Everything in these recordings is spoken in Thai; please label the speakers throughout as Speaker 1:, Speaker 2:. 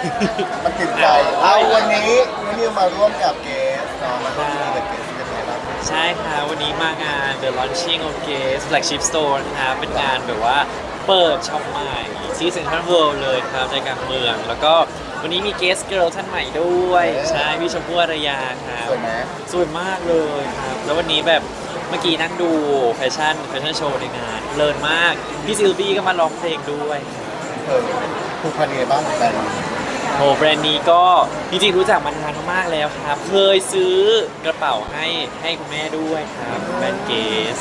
Speaker 1: มันติดใจเอาวันนี้นี่มาร่วมกับเกสเนาะมาร่วมงานกับเกสเป็นไงบ้าง
Speaker 2: ใช่ค่ะวันนี้มางาน The Launching of Gaze Flagship Store นะครับเป็นงานแบบว่าเปิดช็อปใหม่ที่เซ็นทรัลเวิลด์เลยครับใจกลางเมือง แล้วก็วันนี้มี Guest Girl ท่านใหม่ด้วย ใช่พี่ชมพู่อารยาครับ
Speaker 1: สวยไหม
Speaker 2: สวยมากเลยครับ แล้ววันนี้แบบเมื่อกี้นั่งดูแฟชั่นโชว์ในงานเพลินมาก พี่ซิลบี้ก็มาร้องเพลงด้วย
Speaker 1: ผูกพันยังไงบ้างกับแบรนด์
Speaker 2: โหแบรนด์นี้ก็จริงๆรู้จักมานานมากแล้วครับ เคยซื้อกระเป๋าให้คุณแม่ด้วยครับแบรนด์เกส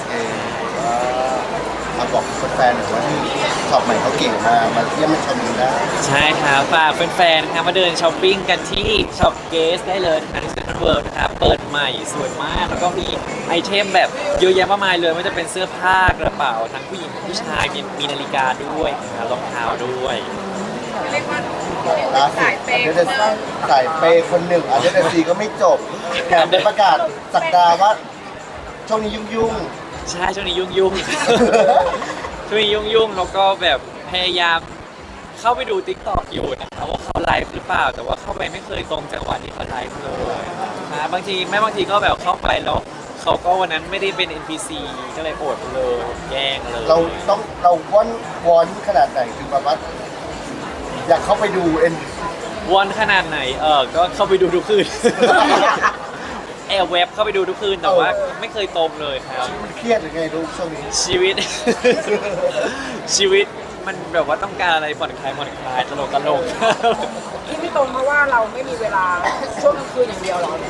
Speaker 1: มาบอกแฟนๆหน่อยว่าที่ช็อปใหม่เขาเก่งมากมาเที่ยวมาชมกันได้
Speaker 2: ใช่ครับฝากแฟนๆนะครับมาเดินช้อปปิ้งกันที่ช็อปเกสได้เลยนะครับที่เซ็นทรัลเวิลด์นะครับเปิดใหม่สวยมาก แล้วก็มีไอเทมแบบเยอะแยะมากมายเลยไม่ว่าจะเป็นเสื้อผ้ากระเป๋าทั้งผู้หญิงผู้ชายมีนาฬิกาด้วยนะครับรองเท้าด้วย
Speaker 3: เรียกว่า
Speaker 1: ล่าสุดเดนสายเปย์คนหนึ่งเดนซีก็ไม่จบแถมได้ประกาศสักดาว่าช่วงนี้ยุ่ง
Speaker 2: ใช่ช่วงนี้ยุ่งๆ ช่วงนี้ยุ่งๆแล้วก็แบบพยายามเข้าไปดู TikTok อยู่นะครับว่าเขาไลฟ์หรือเปล่า แต่ว่าเข้าไปไม่เคยตรงจังหวะที่เขาไลฟ์เลยนะบางทีก็แบบเข้าไปแล้วเขาก็วันนั้นไม่ได้เป็น NPC ก็เลยอดเลยแย่งเลย
Speaker 1: ๆเราวอนขนาดไหนถึงแบบว่าอยากเข้าไปดู
Speaker 2: วอนขนาดไหนก็เข้าไปดูทุกคืน แอบเว็บเข้าไปดูทุกคืนแต่ว่าไม่เคยตรงเลยครับ
Speaker 1: มันเครียดหรือไงลูกช่วงนี้
Speaker 2: ชีวิต ชีวิตมันแบบว่าต้องการอะไรผ่อนคลายตลก
Speaker 3: ที่ไม่ตรงเพราะว่าเราไม่มีเวลาช่วงกลางคืนอย่างเดียวหรอบ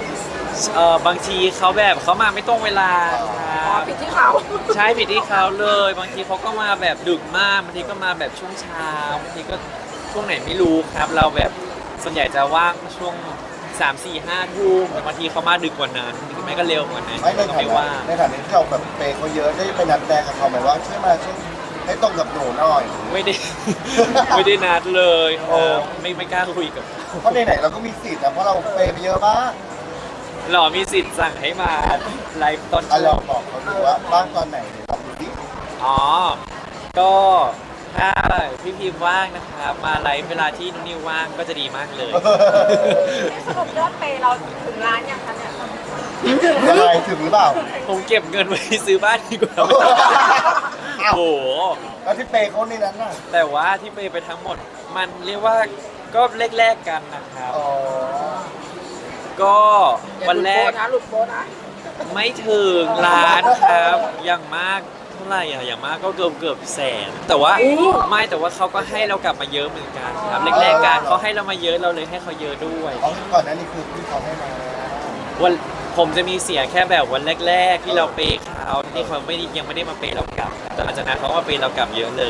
Speaker 2: างทีเขาแบบเขามาไม่ตรงเวลาค
Speaker 3: อ๋อ
Speaker 2: รับ
Speaker 3: ผิดที่เขา
Speaker 2: ใช่ผิดที่เขาเลย บางทีเขาก็มาแบบดึกมากบางทีก็มาแบบช่วงเช้าบางทีก็ช่วงไหนไม่รู้ครับ เราแบบส่วนใหญ่จะว่างช่วง3 4 5 ทุ่มแต่บางทีเขามาดึกกว่านั้นหรือไม่ก็เร็วกว่านั้น
Speaker 1: ไม่ใน
Speaker 2: ก็
Speaker 1: ฐา
Speaker 2: ไม่
Speaker 1: นะ
Speaker 2: ว่าง
Speaker 1: ในฐานะที่เราแบบเปย์เขาเยอะได้ไปนัดแนะกับเขาไหมว่าช่วยมาช่วยให้ตรงกับหนูหน่อย
Speaker 2: ไม่ได้ ไม่ได้นัดเลยครับไม่กล้าคุยกับ
Speaker 1: เพราะไหนๆเราก็มีสิทธิ์นะเพราะเราเปย์ไปเยอะมาก
Speaker 2: หรอมีสิทธิ์สั่งให้มาไลฟ์ตอน
Speaker 1: ลองบอกเขาดูว่าบ้างตอนไหนเดี๋ยวลองดูดิ
Speaker 2: อ๋อ ก็ถ้าพี่พิมพ์ว่างนะครับมาไลฟ์เวลาที่นุ่นนิวว่างก็จะดีมากเลย
Speaker 3: สรุปยอดเปย์เราถึงล้านยังคะเนี่ย
Speaker 1: ยังไงถึงหรือเปล่า
Speaker 2: ผมเก็บเงินไว้ซื้อบ้านดีกว่า
Speaker 1: อ้าว
Speaker 2: โอ้โห
Speaker 1: แล้วที่เปย์เขาในนั้นน่ะ
Speaker 2: แต่ว่าที่ไปทั้งหมด มันเรียกว่าก็แลกๆกันนะครับ
Speaker 1: อ๋อ
Speaker 2: ก็วันแรก
Speaker 3: หลุดโบนะ
Speaker 2: ไม่ถึงล้านครับ อย่างมากเท่าไหร่อะอย่างมากก็เกือบแสน แต่ว่าแต่ว่าเขาก็ให้เรากลับมาเยอะเหมือนกันครับแรกๆกันเขาให้เรามาเยอะเราเลยให้เขาเยอะด้วย
Speaker 1: อ๋อก่อนหนั้นนี่คือที่เขาให้มา
Speaker 2: วันผมจะมีเสียแค่แบบวันแรกๆที่เราเปย์เขาที่เขายังไม่ได้มาเปย์เรากลับแต่หลังจากนั้นเขาก็มาเปย์เรากลับเยอะเลย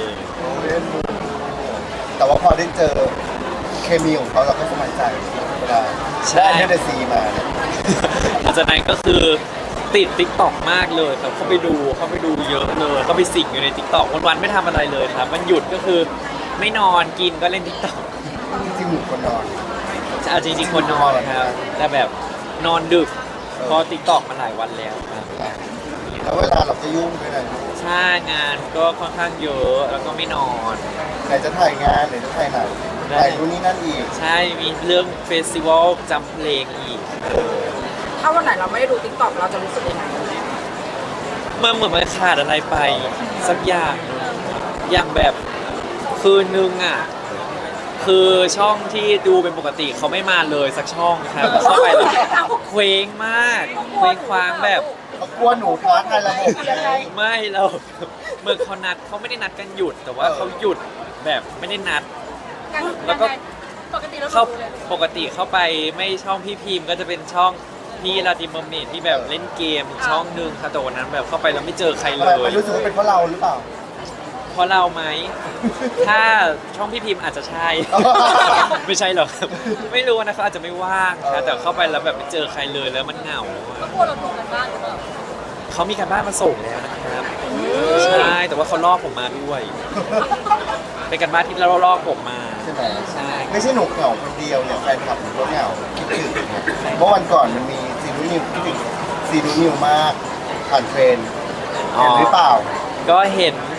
Speaker 1: แต่ว่าพอได้เจอเคมีของเขาเราก็สบายใจเวลา
Speaker 2: ใช่
Speaker 1: ได้เดซีมาเนี่ย
Speaker 2: หลังจากนั้นก็คือติด TikTok มากเลยครับเข้าไปดูเยอะเลยเข้าไปสิงอยู่ใน TikTok วันๆไม่ทำอะไรเลยครับมันหยุดก็คือไม่นอนกินก็เล่น TikTok
Speaker 1: จริงๆหนูคนนอน
Speaker 2: จริงๆคนนอนครับแต่แบบนอนดึกพอ TikTok มาหลายวันแล้วครับ
Speaker 1: แล้วเวลาเราก็ยุ่งด้วยนะ
Speaker 2: ใช่งานก็ค่อนข้างเยอะแล้วก็ไม่นอน
Speaker 1: ไหนจะถ่ายงานไหนจะถ่ายหนังถ่ายนู่นนี่นั่นอีก
Speaker 2: ใช่มีเรื่องเฟสติวัลจำเพลงอีก
Speaker 3: ถ้าวันไหนเราไม่ได้ดูติ๊กต็อกเราจะรู้สึกยังไง
Speaker 2: มันเหมือนมันขาดอะไรไปสักอย่างหนึ่งอย่างแบบคืนนึงอ่ะคือช่องที่ดูเป็นปกติเขาไม่มาเลยสักช่องครับเข้าไปแล้วเคว้งมากเคว้งคว้างแบบ
Speaker 1: เขากลัวหนูท้าทายระบบยังไง
Speaker 2: ไม่เราเมื่อเขาไม่ได้นัดกันหยุด แต่ว่าเขาหยุดแบบไม่ได้นัด แล้วก็
Speaker 3: ปกติเรา
Speaker 2: เข้าปกติเข้าไปไม่ช่องพี่พิมพ์ก็จะเป็นช่องพี่ลาติมเมอร์เมดที่แบบเล่นเกมอีกช่องหนึ่งค่ะแต่วันนั้นแบบเข้าไปแล้วไม่เจอใครเล
Speaker 1: ไม่
Speaker 2: ย
Speaker 1: รู้สึกว่าเป็นเพราะเราหรือเปล่า
Speaker 2: เพราะเราไหม ถ้าช่องพี่พิมพ์อาจจะใช่ ไม่ใช่หรอกครับไม่รู้นะเขาอาจจะไม่ว่างครับแต่เข้าไปแล้วแบบไม่เจอใครเลยแล้วมันเหงา
Speaker 3: ก็กลัวเราโดนกันบ้างหรือเปล่า
Speaker 2: เขามีการบ้านมาส่งแล้วนะครับใช่แต่ว่าเขาล่อผมมาด้วย เป็นการบ้านที่เราล่อผมมา
Speaker 1: ใช่ไหม
Speaker 2: ใช่
Speaker 1: ไม่ใช่หนูเหงาคนเดียวเนี่ยแฟนคลับหนูก็เหงาคิดถึงเนี่ยเมื่อวันก่อนมันมีซีนูนิวคิดถึงซีนูนิวมากผ่านเทรนด์เห็นหรือเปล่า
Speaker 2: ก็เห็น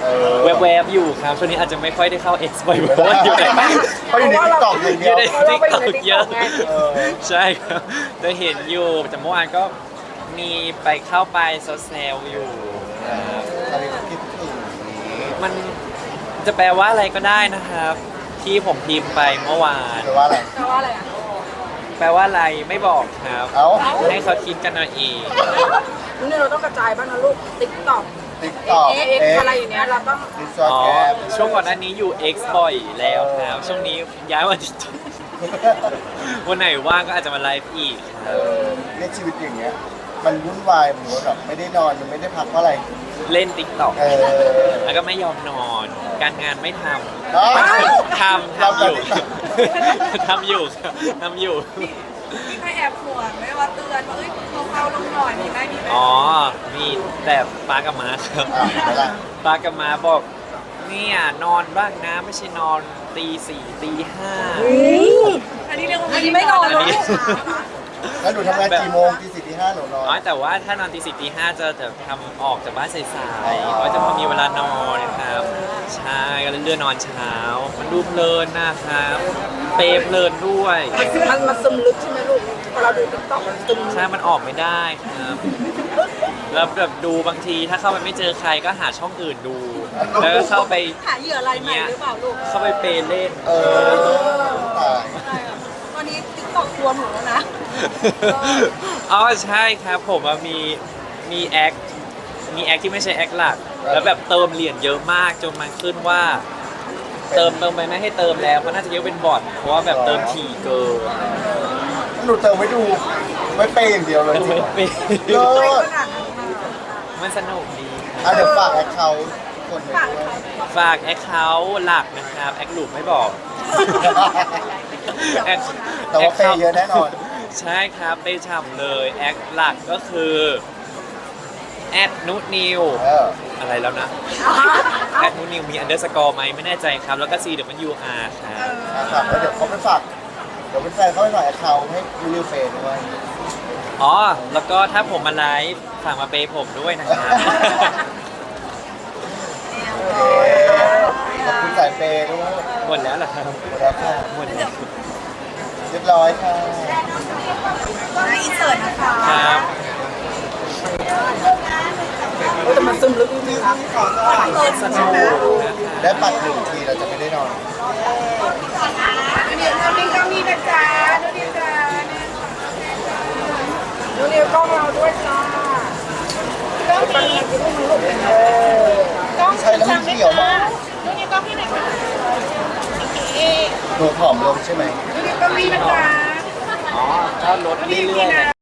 Speaker 2: แวบๆอยู่ครับช่วงนี้อาจจะไม่ค่อยได้เข้า X บ่อยเพราะว่าอยู่ใน
Speaker 1: เพราะอยู่ในติ๊กต็อกอย่าง
Speaker 2: อ
Speaker 1: เดียว
Speaker 2: ยู่ในติ๊กต็อกเยอะ
Speaker 1: เออ
Speaker 2: ใช่ครับจะเห็นอยู่แต่เมื่อวานก็มีไปเข้าไปแซวๆอยู่ครับ
Speaker 1: อะไรคิดถึง
Speaker 2: มันจะแปลว่าอะไรก็ได้นะครับ ที่ผมพิมพ์ไปเมื่อวาน
Speaker 1: แปลว่าอะไร
Speaker 3: แปลว่าอะไรอ่ะ
Speaker 2: แปลว่าอะไรไม่บอกครับ
Speaker 1: เอ้า
Speaker 2: ให้เขาคิดกันเอาเอง
Speaker 3: นี่เราต้องกระจายบ้างนะลูกติ๊กต็อก
Speaker 1: ติ๊กต็อก
Speaker 3: เอ็กอะไรอย่างเนี้ยเราต้อง
Speaker 1: ดิสอ
Speaker 2: อ๋อ
Speaker 1: แกรม
Speaker 2: ช่วงก่อนหน้านี้อยู่ X บ่อยแล้วครับช่วงนี้ย้ายมาที่ วันไหนว่างก็อาจจะมาไลฟ์อีกค
Speaker 1: เอ
Speaker 2: รับ
Speaker 1: อเนี่ยชีวิตอย่างเงี้ย มันวุ่นวายเหมือนว่าแบบไม่ได้นอนมันไม่ได้พักเพราะอะไร
Speaker 2: เล่นติ๊กต็อก
Speaker 1: เออ
Speaker 2: แล้วก็ไม่ยอมนอน การงานไม่ท
Speaker 1: อ๋อ
Speaker 2: ำทำอยู่
Speaker 1: เรา
Speaker 2: ทำอยู่ครับทำอยู่
Speaker 4: มีใครแอบห่วงไหมว่าเตือนว่าเอ้ยเบาๆลงหน่อยมีไหมมีไหม
Speaker 2: อ๋อ มีแต่ป้ากับม้าครับ
Speaker 1: อ่ะไม่ละ
Speaker 2: ป้ากับม้าบอกเนี่ยนอนบ้างนะไม่ใช่นอนตีสี่ตีห้า
Speaker 4: อันนี้เรียกว่าอันนี้ไม่นอน
Speaker 2: อัน
Speaker 4: เลย
Speaker 2: นี้
Speaker 1: แล้วหนูทำงานกี่โมงตีสี่ตีห้าหนูนอน
Speaker 2: อ๋อแต่ว่าถ้านอนตีสี่ตีห้าจะทำออกจากบ้านสายๆเพราะจะพอมีเวลานอนนะครับ ใช่ก็เลยเลื่อนนอนเช้า มันดูเพลินนะครับ เปรย์เพลินด้วย
Speaker 3: มันซึมลึกใช่ไหมลูกพอเราดูติ๊กต็อกมันซึม
Speaker 2: ใช่ มันออกไม่ได้ครับ แล้วแบบดูบางทีถ้าเข้าไปไม่เจอใครก็หาช่องอื่นดู แล้วก็เข้าไป
Speaker 4: หาเหยื่ออะไรใหม่หรือเปล่าลูก
Speaker 2: เข้าไปเปย์เล่น
Speaker 1: เออตาย
Speaker 4: ตอนนี้ติ๊กตอกรวมหนูแล้วนะ
Speaker 2: อ๋อใช่ครับผมอะมีแอคที่ไม่ใช่แอคหลัก แล้วแบบเติมเหรียญเยอะมากจนมันขึ้นว่า เติมไปไม่ให้เติมแล้วเพราะน่าจะเยอะเป็นบอทเพราะว่าแบบเติมถี่เกิน
Speaker 1: หนูเติมไว้ดูไว้เปย์อย่างเดียวเลย
Speaker 2: เติม
Speaker 1: จริ
Speaker 2: ไม่
Speaker 1: ง
Speaker 2: เป็น
Speaker 1: เลิศ
Speaker 2: มันสนุกดี
Speaker 1: อ่ะเดี๋ยวฝากแอคเคาท์คนหนึ่งด้วย
Speaker 2: ฝากแอคเคาท์หลักนะครับแอคหลุมไม่บอกแอค
Speaker 1: แต่ว่าเปย์เยอะแน่นอน
Speaker 2: ใช่ครับเปย์ฉ่ำเลยแอคหลักก็คือแอดนุนิว
Speaker 1: เออ
Speaker 2: อะไรแล้วนะแอดนุนิวมีอันเดอร์สกอร์ไหมไม่แน่ใจครับ แล้วก็ CWR ครับ
Speaker 1: นะครับแล้วเดี๋ยวเขาไปฝากเดี๋ยวเป็นแฟนเขาไปฝากแอคเคาท์ให้ยูนิวเฟย์ด้วย
Speaker 2: อ๋อ แล้วก็ถ้าผมมาไลฟ์ฝากมาเปย์ผมด้วยนะครับ
Speaker 1: โอเคขอบคุณสายเปย์ด้วย
Speaker 2: หมดแล้วเหรอครับ
Speaker 1: หมดแล้วค่ะ
Speaker 2: หมดแล้ว
Speaker 1: เรียบร้อยค่ะ
Speaker 4: อินเสิร์ตนะคะ
Speaker 2: ครับ
Speaker 3: แต่มันซึมลึกจริงๆนะ
Speaker 2: สนุกนะครับ
Speaker 1: ได้ปัดหนึ่งทีเราจะไม่ได้นอน
Speaker 4: เดี๋ยวนี้ก็มีนะจ๊ะดูดิจ้า
Speaker 3: ดูนี่กล้องเราด้วยจ้า
Speaker 4: ก็มี
Speaker 1: ไม่ใช่แล้วมันเขียวมาก
Speaker 4: ดูนี่ก็พี่ไหนคะ
Speaker 1: หนูผอมลงใช่ไหม
Speaker 4: ดูนี่ก็มีนะจ๊ะ
Speaker 2: อ๋อถ้าลดเรื่อยๆ